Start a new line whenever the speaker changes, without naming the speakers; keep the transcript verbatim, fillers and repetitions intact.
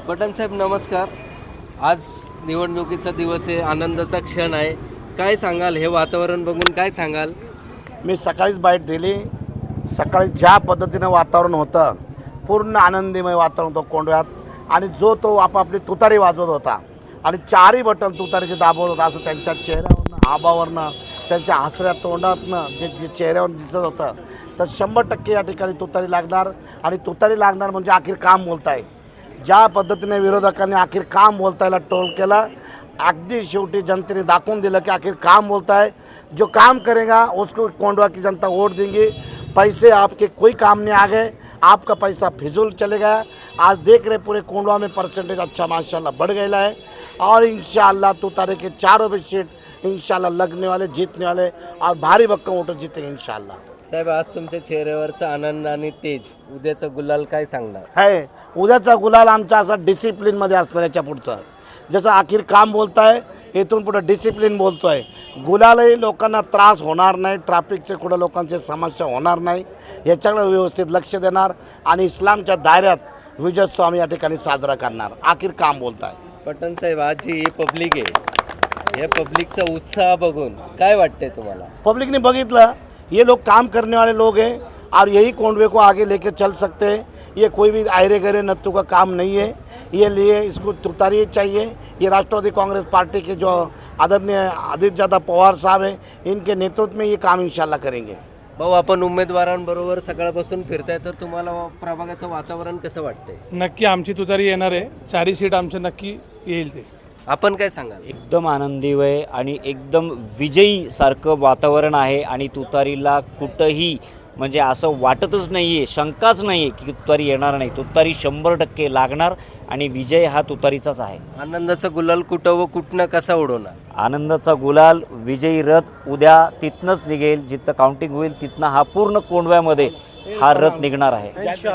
पठाण साहेब नमस्कार. आज निवडणुकीचा दिवस आहे, आनंदाचा क्षण आहे. काय सांगाल, हे वातावरण बघून काय सांगाल?
मी सकाळीच बाईट दिली. सकाळी ज्या पद्धतीनं वातावरण होतं, पूर्ण आनंदीमय वातावरण होतं कोंडव्यात. आणि जो तो आपापली तुतारी वाजवत होता आणि चारही बटन तुतारीचे दाबवत होता, असं त्यांच्या चेहऱ्यावरनं, आबावरनं, त्यांच्या हसऱ्या तोंडातनं जे जे चेहऱ्यावर दिसत होतं. तर शंभर टक्के या ठिकाणी तुतारी लागणार. आणि तुतारी लागणार म्हणजे अखेर काम बोलताय. ज्या पद्धतीने विरोधकांनी अखेर काम बोलतायला टोल केला, अगदी शेवटी जनतेने दाखवून दिलं की आखिर काम बोलता है. जो काम करेगा उसको कोंडवा की जनता वोट देंगी. पैसे आपके कोई काम नहीं आ गए, आपका पैसा फिजूल चले गया. आज देख रहे पूरे कोंडवा में परसेंटेज अच्छा माशाल्लाह बढ़ गया है. और इंशाल्लाह तुतारे के चारों भी सीट इंशाल्लाह लगने वाले, जीतने वाले और भारी भक्कम वोटर जीतेंगे इंशाल्लाह.
साहेब, आज तुमच्या चेहऱ्यावरचा आनंद आणि तेज, उद्याचा गुलाल काय सांगणार?
है उद्याचा गुलाल आमचा असा डिसिप्लिनमध्ये असणार. याच्या पुढचं जसं आखिर काम बोलताय, इथून पुढं डिसिप्लिन बोलतो आहे. गुलालही लोकांना त्रास होणार नाही, ट्रॅफिकचे कुठं लोकांची समस्या होणार नाही, याच्याकडे व्यवस्थित लक्ष देणार. आणि इस्लामच्या दायऱ्यात विजयोत्सव आम्ही या ठिकाणी साजरा करणार. आखिर काम बोलताय.
पठाण साहेब, आज जी ही पब्लिक आहे, या पब्लिकचा उत्साह बघून काय वाटतंय तुम्हाला?
पब्लिक ने बघितलं, ये लोग काम करने वाले लोग हैं और यही कोंडवे को आगे लेके चल सकते हैं. ये कोई भी आयरे गहरे नत्थु का काम नहीं है. ये लिए इसको तुतारी चाहिए. ये राष्ट्रवादी कांग्रेस पार्टी के जो आदरणीय आदित्यदादा पवार साहब हैं, इनके नेतृत्व में ये काम इंशाल्लाह करेंगे.
भाऊ, आपण उमेदवारांबरोबर सकाळपासून फिरताय, तर तुम्हाला प्रभागाचं वातावरण कसं वाटतंय?
नक्की आमची तुतारी येणार आहे. चारही सीट आमच्या नक्की येईल. ते
आपण काय सांगाल?
एकदम आनंदीमय आणि एकदम विजयी सारखं वातावरण आहे. आणि तुतारीला कुठंही म्हणजे असं वाटतच नाही आहे, शंकाच नाही आहे की तुतारी येणार नाही. तुतारी शंभर टक्के लागणार आणि विजय हा तुतारीचाच आहे.
आनंदाचा गुलाल कुठं व कुठनं कसा उडवणार?
आनंदाचा गुलाल, विजयी रथ उद्या तिथनंच निघेल. जिथं काउंटिंग होईल तिथनं हा पूर्ण कोंडव्यामध्ये हा रथ निघणार आहे.